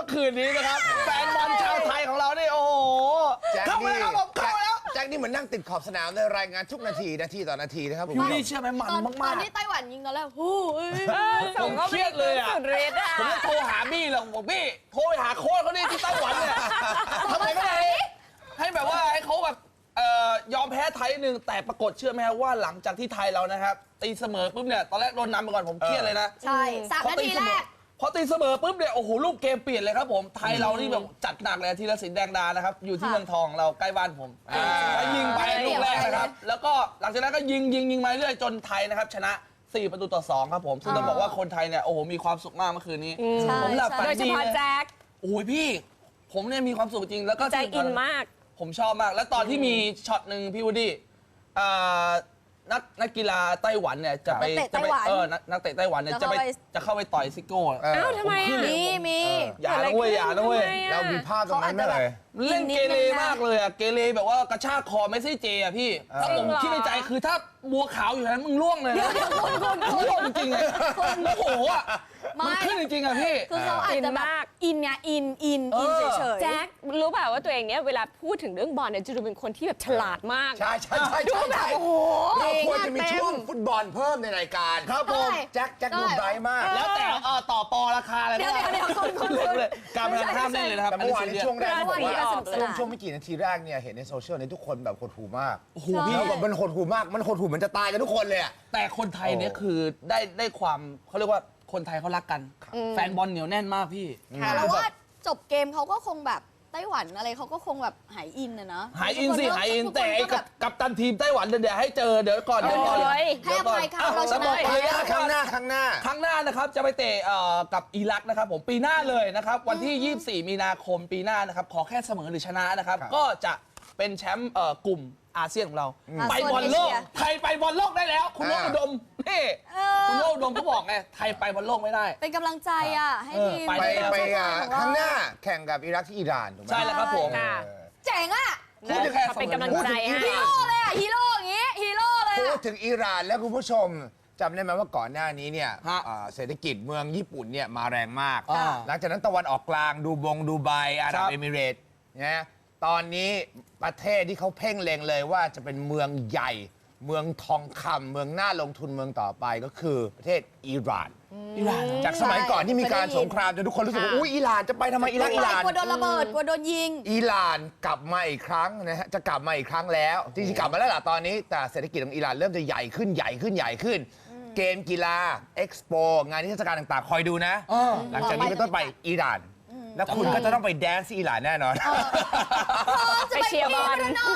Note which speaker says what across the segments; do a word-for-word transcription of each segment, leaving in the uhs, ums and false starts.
Speaker 1: คืนนี้นะครับแฟนบอลชาวไทยของเรานี่โอ้โหเข้ามาแล้วครับผมเข้ามาแล้ว
Speaker 2: แจ็คนี่เหมือนนั่งติดขอบสนามเลยรายงานทุกนาทีนาทีต่อนาทีนะครับผม
Speaker 1: พี่นี่เชื่อไหมมันมากๆ
Speaker 3: ตอนที่ไต้หวันยิงตอนแรกฮู้
Speaker 1: ผมเครียดเลยอ่ะผมจะโทรหาบี้หรอกบอกบี้โทรหาโค้ชเขาดิที่ไต้หวันเนี่ยทำไมไม่ได้ให้แบบว่าให้เขาแบบยอมแพ้ไทยหนึ่งแต่ปรากฏเชื่อไหมว่าหลังจากที่ไทยเรานะครับตีเสมอปุ๊บเนี่ยตอนแรกโดนนำไปก่อนผมเครียดเลยนะ
Speaker 3: ใช่สามนาทีแรก
Speaker 1: พอตีเสมอปุ๊บเนี่ยโอ้โหรูปเกมเปลี่ยนเลยครับผมไทยเรานี่แบบจัดหนักเลยธีรศิลป์แดงดานะครับอยู่ที่เมืองทองเราใกล้บ้านผมแล้วยิงไปลูกแรกนะครับแล้วก็หลังจากนั้นก็ยิงยิงยิงมาเรื่อยจนไทยนะครับชนะสี่ประตูต่อสองครับผมซึ่งต้องบอกว่าคนไทยเนี่ยโอ้โหมีความสุขมากเมื่อคืนนี้ผมหลับฝันดีโดยเฉพาะแจ็คโอ้ยพี่ผมเนี่ยมีความสุขจริงแล้วก็
Speaker 4: ใจอินมาก
Speaker 1: ผมชอบมากแล้วตอนที่มีช็อตหนึ่งพี่วูดดี้นักนักกีฬาไต้หวันเนี่ยจะไปจะไปเออนักเตะไต้หวันเนี่ยจะไปจะเข้าไปต่อยซิโก้
Speaker 4: อ้าวทำไมอ่ะ
Speaker 3: มีมี
Speaker 1: อย่านะเว้ยอย่านะเว้ย
Speaker 2: เรามีภาพตรงนั้นเลย
Speaker 1: เล่นเกเรมากเลยอะเกเรแบบว่ากระชากคอเมสซี่เจอะพี่ถ้าผมคิดในใจคือถ้าบัวขาวอยู่นั้นมึงล่วงเลยนะล่วงจริงเลยโอ้โหอะมันขึ้นจริงๆอะพี่
Speaker 3: คือเขาอาจจะแบบอินไงอินอินอินเฉยๆ
Speaker 4: แจ็ครู้เปล่าว่าตัวเองเนี่ยเวลาพูดถึงเรื่องบอลเนี่ยจะดูเป็นคนที่แบบฉลาดมาก
Speaker 2: ใช่ใช่ใช่ใช่แบบโอ้โหเราควรจะมีช่วงฟุตบอลเพิ่มในรายการ
Speaker 1: ครับผม
Speaker 2: แจ็คแจ็คดูไบรท์มาก
Speaker 1: แล้วแต่ต่อปอราคาอะไรก็ได้การพนันห้ามเล่นเลยนะครับ
Speaker 2: แต่เมื่อวานในช่วงแรกเขาบอกว่าช่วงไม่กี่นาทีแรกเนี่ยเห็นในโซเชียลเนี่ยทุกคนแบบหดหู่มาก
Speaker 1: โอ้โหพี่
Speaker 2: มันหดหู่มากมันหดหู่เหมือนจะตายกันทุกคนเลยอะ
Speaker 1: แต่คนไทยเนี่ยคือได้ได้ความเขาเรียกว่าคนไทยเขารักกันแฟนบอลเหนียวแน่นมากพี่
Speaker 3: แต่ว่าจบเกมเขาก็คงแบบไต้หวันอะไรเขาก็คงแบบหายอินนะนะ
Speaker 1: หายอินสิหายอินแต่ไอ้กับตันทีมไต้หวันเดี๋ยวให้เจอเดี๋ยวก่อนเดี๋ยวก่อน
Speaker 3: ให้อภัยค่ะเราชนะ
Speaker 2: ครั้งหน้าครั้งหน้า
Speaker 1: ครั้งหน้านะครับจะไปเตะกับอิรักนะครับผมปีหน้าเลยนะครับวันที่ยี่สิบสี่มีนาคมปีหน้านะครับขอแค่เสมอหรือชนะนะครับก็จะเป็นแชมป์กลุ่มอาเซียนของเราไปบอลโลกไทยไปบอลโลกได้แล้วคุณโนอุดมนี่คุณโนอุดมเขาบอกไงไทยไปบอลโลกไม่ได้
Speaker 3: เป็นกำลังใจอ่ะให้ทีม
Speaker 2: ไปไปครั้งหน้าแข่งกับอิรักที่อิหร่านถูกไหม
Speaker 1: ใช่แล้วครับผม
Speaker 3: เจ๋งอ่ะ
Speaker 4: เป็นกำลังใจให้
Speaker 3: ฮีโร่เลยอ่ะฮีโร่อย่างงี้ฮีโร่เลย
Speaker 2: พูดถึงอิหร่านแล้วคุณผู้ชมจำได้ไหมว่าก่อนหน้านี้เนี่ยเศรษฐกิจเมืองญี่ปุ่นเนี่ยมาแรงมากหลังจากนั้นตะวันออกกลางดูบงดูไบอาหรับเอมิเรตส์นะตอนนี้ประเทศที่เขาเพ่งเล็งเลยว่าจะเป็นเมืองใหญ่เมืองทองคำเมืองน่าลงทุนเมืองต่อไปก็คือประเทศอิหร่านจากสมัยก่อนที่มีการสงครามจนทุกคนรู้สึกว่าอุ้ยอิหร่านจะไปทำไมอิรักอิหร่าน
Speaker 3: กลัวโดนระเบิดกลัวโดนยิง
Speaker 2: อิหร่านกลับมาอีกครั้งนะฮะจะกลับมาอีกครั้งแล้วจริงๆกลับมาแล้วล่ะตอนนี้แต่เศรษฐกิจของอิหร่านเริ่มจะใหญ่ขึ้นใหญ่ขึ้นใหญ่ขึ้นเกมกีฬาเอ็กซ์โปงานนิทรรศการต่างๆคอยดูนะหลังจากนี้เป็นต้นไปอิหร่านแล้วคุณก็จะต้องไปแดนซ์ที่อิหร่านแน่นอน
Speaker 4: ไปเชียร์บอล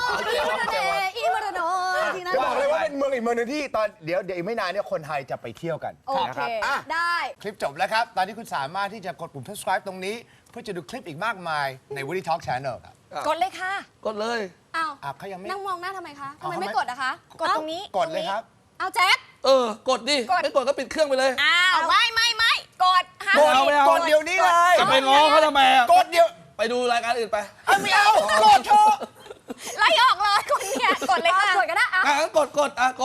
Speaker 2: จะบอกเลยว่าเป็นเมืองอีกเมืองนึงที่ตอนเดี๋ยวเดี๋ยวอีกไม่นานเนี่ยคนไทยจะไปเที่ยวกันนะครับ
Speaker 3: ได้
Speaker 2: คลิปจบแล้วครับตอนนี้คุณสามารถที่จะกดปุ่ม subscribe ตรงนี้เพื่อจะดูคลิปอีกมากมายใน Woody Talk Channel ครับ
Speaker 4: กดเลยค่ะ
Speaker 1: กดเลย
Speaker 3: อ้าว
Speaker 2: เขายังไม่
Speaker 3: นั่งมองหน้าทำไมคะทำไมไม่กดอะคะ
Speaker 4: กดตรงนี้
Speaker 2: กดเลยครับ
Speaker 3: เอาแจ็ค
Speaker 1: เออกดดิไม่กดก็ปิดเครื่องไปเลย
Speaker 4: อ้าวไม่ไม่ไม่กด
Speaker 2: กดกดเดี๋ยวนี้เลย
Speaker 1: จะไปง้อเขาทำไม
Speaker 2: กดเดี๋ยว
Speaker 1: ไปดูรายการอื่นไป
Speaker 2: ไม่เอากดเถอะ
Speaker 4: ไล่ออกเลยคนเนี่ยกดเลยค่ะ
Speaker 3: กดก็ได้
Speaker 1: อ่ะกดกดอ่ะ